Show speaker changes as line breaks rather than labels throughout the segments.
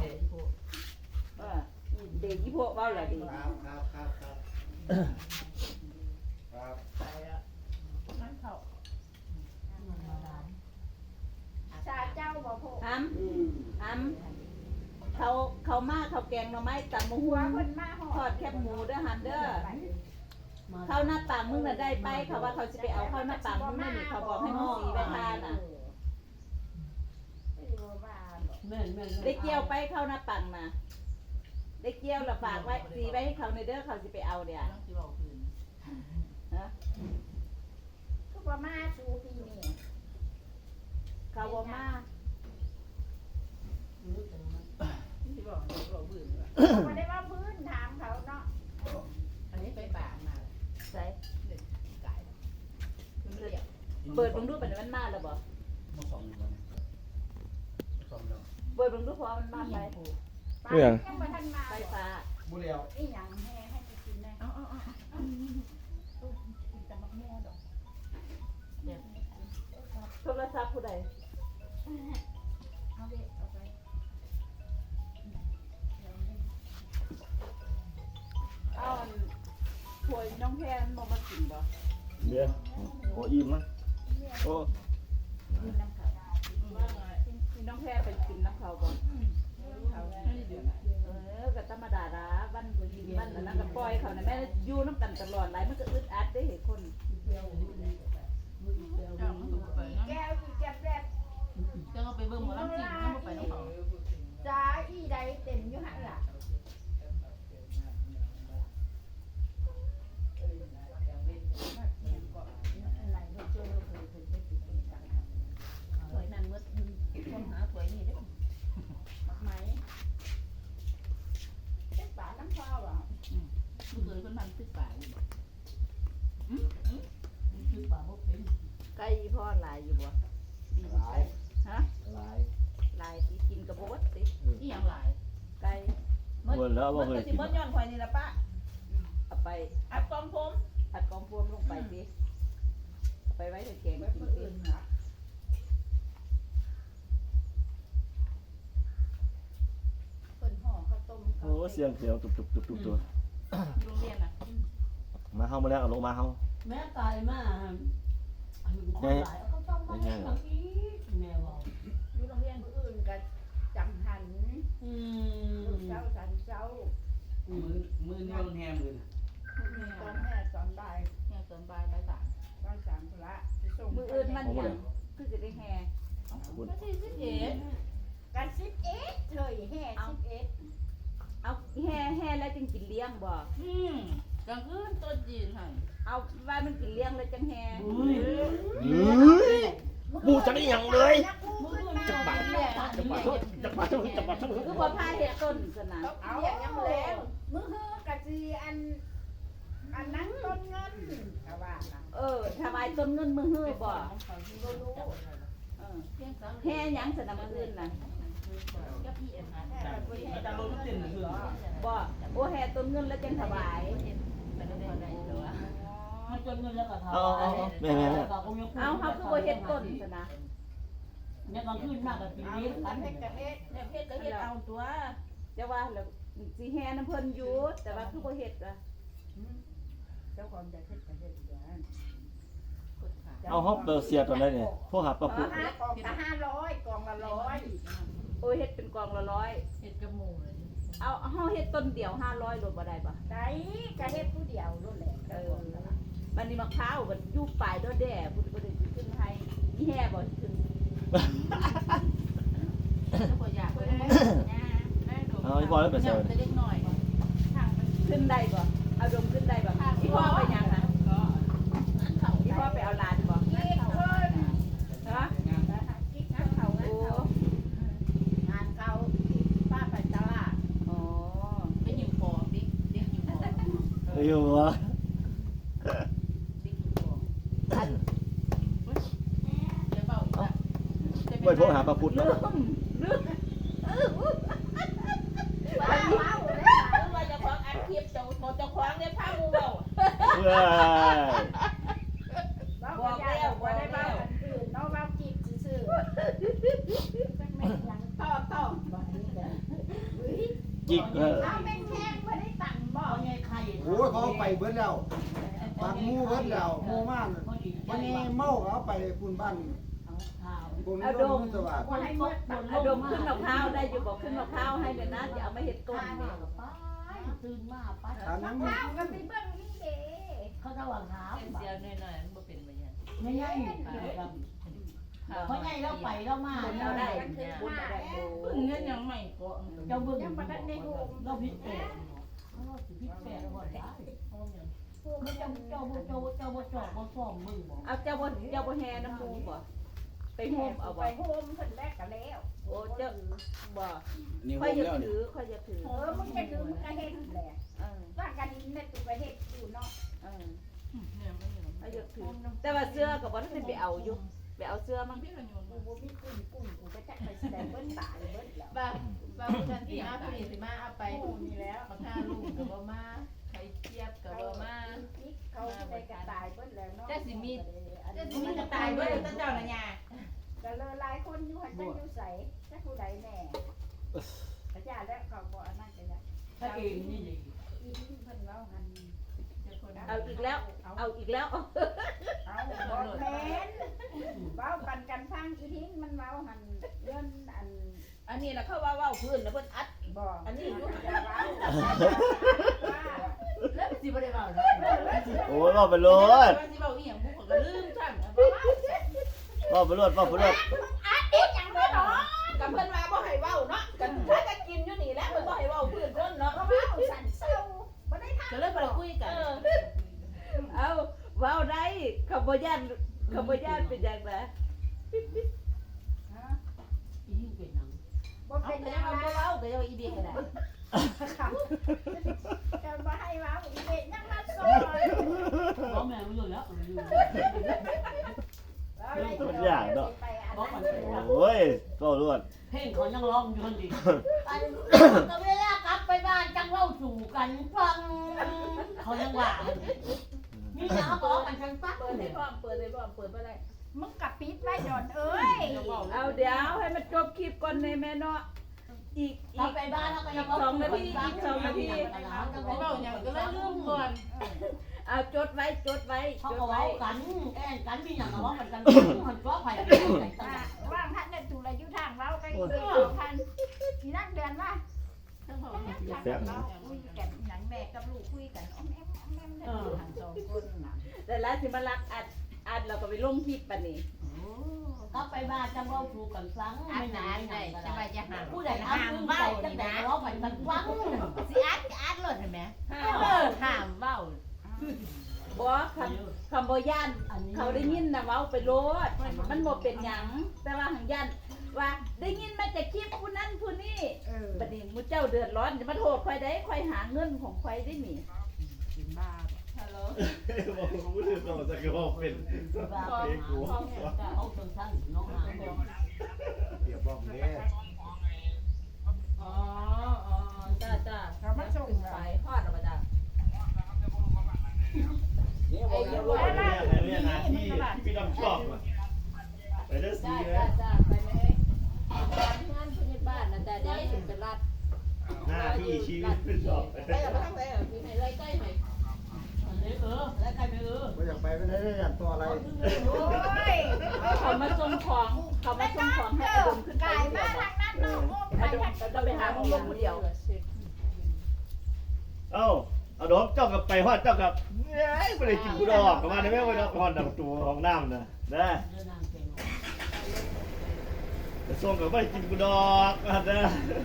เด็กยี่พวกเว้าล่ะดิ
ครับ
ไปแล้วนั่นเขาชาเจ้าบ่พก
เขามาเขาแกงหน่อไม้ตำมะฮุ่งทอดแคบหมูเด้อหันเด้อเข้าหน้าต่างมึงน่ะได้ไปเขาว่าเขาจะไปเอาเข้าหน้าต่างมึงนี่เขาบอกให้มึงสีไปทานน่ะได้เกี่ยวไปเข้าหน้าต่างน่ะได้เกี่ยวแล้วฝากไว้สีไว้ให้เขาในเด้อเขาจะไปเอาเนี่ยฮะ
ก็บ่มาสู่ปีนี้
เขาบอกมา
บ่ได้ว่าพื้นถามเขาเนาะอันนี้ไปป่ามา
ใส่
ไก่
เปิดบังดูเป็นมันมาแล้วบ่เปิดบังดูพอมันมาไป
ยังบ่ทันมา
ไฟฟ้า
บุเรียว
อีหยังแห่ให้กินได้จะมักม่วดอก
โทรศัพท์ผู้ใด
เอาไปเอาไป
เอาถ้วยน้องแพนบ่มากินบ่
เดี๋ยวโอ้อิ่มมั้ยโอ้
กินน้ำเขาน้องแพนไปกินน้ำเขาบ่ก็ธรรมดาละวันกินวันนั้นก็ปล่อยเขาน่ะแม่อยู่น้ำกันตลอดหลายมันก็อึดอัดได้เห็นคน
แก้วอีแก้วแรก
จะเอาไปเบิ่งหมอลำจริงไม่ไปน้องเขา
จ้าอีใดเต็มอยู่หั่นล่ะ
ถวยนั่นมืดคนหาถวยนี่เด้อ
มักไหมเป็นป่าน้ำฟ้าว่ะ
ลูกเคยคนมันตึกป่าอยู่ตึกป่าบ่เป็น
ไก่พ่อหลายอยู่บ่
หลาย
ฮะ
หลาย
หลายที่กินกับบ่วัดติ
อีหยังหลาย
ไก่
บ่แล้วบ่เคย
สิ
กิน
บ่ย้อนข่อยนี่ล่ะป้า
เอาไป
อัดกองผม
ผัดกองพวมลงไปสิเอาไปไว้ในแกง
ไว้
กิน
มื้อ
เอ
อื่
ง
นน่ะเพิ่นห่อข้าวต้ม
โอ้เสียงเขียวตุบตัว
โรงเรียนน่ะ
มาเฮามาแล้วเอาลงมาเฮา
แม่ตายมาคนหลายก็ต้องมาเลี้ยงแบบนี้แม่บอก
อยู่โรงเรียนมื้ออื่นก็จังหันลูกเจ้าสันเจ้า
มือนี่มันแฮมือน่ะ
ตอนแม่ตอนบ่าย
เนี่ยตอนบ่ายบ่ายสาม
บ่ายสามพุ่นละสิส่ง
มื้ออื่นมันหยังคือสิได้แห่
ก็ที่11
กัน11เถยแห่11
เอาแห่แล้วจึงกินเลี้ยงบ่
กลางคืนต้นจีนหั่น
เอาว่ามันกินเลี้ยงแล้วจังแห่
บูจังอีหยังเลย
จักบาท
จักบาท
คือบ่พาเฮ็ดต้นซะนะ
เอายังแล้วมื้อฮือกะสิอันนั้นต้นเงินก็ว่าน่ะ
ถวายต้นเงินมื้อฮื้อบ่
บ่รู้
เพียงสัง
แห่หยังซะนะมื้ออื่นน่ะ
กับพี่อันนั้น
แห่บ่เฮ็ด
แต่รถติดคือ
บ่โอ้แห่ต้นเงินแล้วจังถวาย
แต่ก็ได้แล้วว่า
มันจนเงินแล้วก็ทำ
เอาแม่
เอาเฮาคือบ่เฮ็ดต้นซะนะ
เนี่ยกลางคืนมากกับปี
เอา
นี้
กั
กัน น
เฮ็ดกะเฮ็ด
เนี่ยเพชรก็เฮ็ดเอาตัว
จะว่าแล้วสิแห่น้ำเพิ่นอยู่แต่ว่าคือบ่เฮ็ดอ่ะ
เจ้าของจะเฮ็ดกะเฮ็ดอยู่นั่น
กดขา
เอาเฮาเปิดเสียตอนไหนเนี่ยโทรหาป้าปุ๊
กองละ500กองละ100
โอ้ยเฮ็ดเป็นกองละ100
เฮ็ดกับหมู่เลย
เอาเฮาเฮ็ดต้นเดียว500โลบ่ได้บ่
ได้กะเฮ็ดผู้เดียวนั่นแหละกะบ่นั่นล่ะ
บัดนี้มะพร้าวบัดอยู่ปลายดอแด่พุ่นบ่ได้สิขึ้นให้อีแห่บ่สิขึ้น
แล้วก็อยากไปได้ได้ดอก
เอาอีพอแล้วไปเสิร์ฟ
เล็กน้อย
ทางมัน
ขึ้นได้บ่เอาดมขึ้นได้บ่อีพ่อไปหยังน่ะ
ก็อันเขา
อีพ่อไปเอาหลานบ่
กิ๊กเพิ่น
ฮะ
กิ๊กงานเขา
โอ้
งานเขาป้าไปตลาด
อ๋อ
ไปหิวฟองดิเด็กหิวฟอง
อยู่วะ
เด็กหิวฟอง
อัน
จะเบาอีกอ่ะ
ไปโทรหาป้าพุทธ
ลื
เนาะ
ม
ว้าวเลย
ว่าจะคว้างอัดคลิปเจ้าจะคว้างเนี่ยพามูเบา
เว้ย
บอกแล้วว่าได้บ้ากันอื่นเนาะบ้าจีบซื่อๆจักแม่นหยังต่อบ่นี่แหละ
จิก
เอาเป็นแข้งบ่ได้ตังบ่
เอาไงไข่
โอ้ยเขาไปเบิดแล้วบางหมู่เบิดแล้วหมู่ม่านวันนี้เมาเอาไปคุณบ้าน
ข้าว
ผม
เอา
ด
ด
ม
ม
สวัสดิ์
บ่ให้หมด
เอาดมขึ้นมะพร้าวได้อยู่บอกขึ้นมะพร้าวให้เดี๋ยวนะอย่าเอามาเห็ดก้นเนี่ย
ไปตื่นมาไป
ถามนั้น
ข้าวก็ไปเบิ่งนี่เด้
เขาจะวางเท้า
เสียวหน่อยๆมันบ่เป็นบ่ยัน
ไม่ใช่เพราะไงเราไปเรามา
บุญ
เรา
เรา
ได้
ได้บุญเราได้บุญ
เงินยังไม่ก็
เจ้าเบิ่ง
ยังบ่ทันได้โฮม
เราพิษแปดเราพิษแปดก่อนได้
โฮมยัง
เจ้าบ่ฟ้องมึงบ่
เอาเจ้าบ่แห่น้ำมูบ่ไปโฮมเอา
ไป
ไว้
โฮมเพิ่นแรกก็แล้ว
โอ้เจ้าบ่
นี่
ค่อย
โฮม
อย่า
แล้วนี่
ถือค่อยอย่าถือ
มึงจะคือมึงก็เฮ็ดแหละ
เออ
ว่ากันนี่ได้ตัวไปเฮ็ดอยู่เนาะ
เออ
เนี่ยไม่ยัง
ค่อยอย่าถือแต่ว่าเสื้อก็บ่ได้ไปเอาอยู่ไปเอาเสื้อมั้ง
พี่กันอยู่
กูบ่มีกุ้งกูก็จักไปแสดงเบิ้นตายเบิ้นแล้ว
บ้ากันที่มาพี่สิมาเอาไป
กูนี่แล้ว
บักห้าลูกก็บ่มาไข่เจี๊ยบก็บ่มา
เขาได้กระตายเบิ้นแล้วเนาะ
จะสิมีจะตายเบิดตั้งเจ้าน่ะยา
แต่เลยหลายคนอยู่หันจังอยู่ใสจักผู้ใดแน่พระเจ้าแล้วเขาบ่อันนั้นก็ได้
ถ้าเองนี่ดี
อีที่เพิ่นเว้าหัน
เอาอีกแล้วเอาอีกแล้ว
เอาบ่แม่นเว้ากันฟังอีทิ้งมันเว้าหันเรื่องอัน
อันนี้ล่ะเขาว่าพื้นแล้วเพิ่นอัด
บ่
อันนี้อยู่
อย่าเว้าว่า
แล้วสิบ่ได้เว้าเนาะ
โอ้ยว่าไปรถ
ว่าสิเว้าอีหยังบุกก็ลืมซั่นบ่เว้า
ว่าไปรถว่าไปรถ
อัดอีกอย่างบ่เนาะ
กับเพิ่นว่าบ่ให้เว้าเนาะกันถ้าจะกินอยู่นี่แหละเพิ่นบ่ให้เว้าพื้นเพิ่นเนาะ
ก็เว้าสั่นเศร้าบ่ได้ทำ
ก็เลยบ่ได้คุยกัน
เอาเว้าได้ขบย่านเป็นอย่างไร
อีนี่เป็นหนัง
บ่
เอา
เป็น
แต่
หยั
ยัง
ง
บ่
ว่า
เว้าก็ยังอีเบียก็ได้
จะบ่ให้เว้าอีเด็กยังมาสอน
เพราะแม่มันอยู่แล้วอยู่
โอ้ยก็รวด
เพลงเขายังร้องอยู่คนดีก็เวลากลับไปบ้านจังเล่าสู่กันฟังเขายังว่ามีหน้าบอกกันจังฟัง
เปิดให้พร้อมเปิดให้พร้อมเปิดบ่ได้
มึงกับปิดไว้ดอนเอ้ย
เอาเดี๋ยวให้มันจบคลิปก่อนในแม่เนาะอีก
เราไปบ้านแล้วก็ยัง
บ่เว้าหยังก็เลยลืมก่อน
เอาจดไว้
เขา
จ
ก็
ดไว้
เว้ากันแอนกันมีอย่างก็ว่ากันกันมันก็ไผ่
ว่างท่านได้ถูกอายุทางเว้าไปท่านอีนั่งเดือนว่า
ทั้งพ่อ
คุยกันหนังแม่กับลูกคุยกันอ้อมแอมทางสองคนน่ะ
แต่แล้วสิมารักอัดเราก็ไปลงคลิปปะนี่
ก็ไปบ้านจังเล่าสู่กันฟัง
อันไหนได้สบายจะหา
ผู้ใดห้ามเว้าจังแต่ร้องไปกันฟัง
สิอัดเลยเห็นไหมห้ามเว้า
บ่คำบ่ย่านเขาได้ยินนะเว้าไปโลดมันบ่เป็นหยังแต่ว่าหังย่านว่าได้ยินมาจากคลิปผู้นั้นผู้นี้บัดนี้มูเจ้าเดือดร้อนจะมาโทษข่อยได้ข่อยหาเงินของข่อยได้หนิ
กินบ้า
ฮัลโหล
บอกกูลืมต้องจะก็บอกเป็น
เขาเป็นสั้นน้องหาง
เดี๋ยวบอกเด้
อ๋อจ้าจ้า
เขามาส่ง
ไปฮอดออกมาจ้า
นี่บอกแล้ว
เนี่ยนาที่พี่ดำชอบไปเด้อสี
จ้า
เลย
จ้าไปเลยงานผู้ใหญ่บ้านนะจ้าเดี๋ยวถึงจะรัด
หน้าที่ชีวิตเป็นชอบ
ไปกับทางไหนมีไหนไล่ใกล้ไหม
แล้วใครไม่
ไม่อยากไปไม่ได้อย่างตัวอะไร
โอ้ย
เขามาส่งของให้อดมขึ้นไป
กาย
เดี
มา
ยว
ทางนั้นเนาะโอ้
อดมจะไปหาของลงคนเดียว
เอ้าเอาดอกเจ้ากับไปฮอดเจ้ากับเอ้ยไม่ได้กินกูดอกประมาณนี้ไม่ไปดอกฮอดดับตัวของน้ำนะนะจะส่งกับไม่ได้กินกูดอกนะ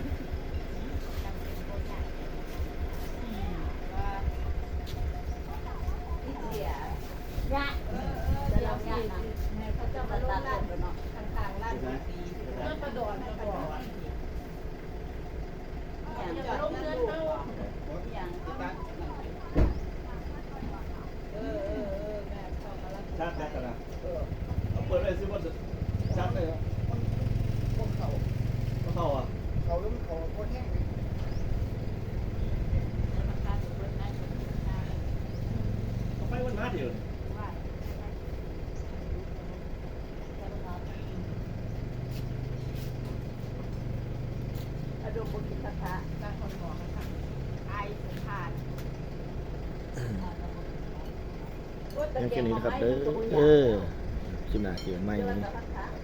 เสีย
ยะ
จะเราเนี่ยนะเขาเจ้ามาตัดผมเนาะ
ทางลาดบุรีเพื่อนประดอนประดอน
อย่าง
จะลงเงินเท่า
อย่าง
แม่เข้ามาแล้ว
ชัดแน่กันนะเอาเปิดไปซื้อว่าชัดเลยเหรอ
พวกเขา
เข้าอ่ะ
เขาล้มเขาโคตรแห้งเลย
เขาไปวันนัดเดียว
อดมบ่กินกระทะ
บางคนบอกว่าไอสุภาพ
โอ้ยแต่
เพียง
แก
แค่
ง
นี้
ห
นะครับ
ไม้
เด้อ
มันก็บ่
เอ
อยาก
อชิมหน้าเกี่ยวไม่
เจอ
นี่
แต่กระทะ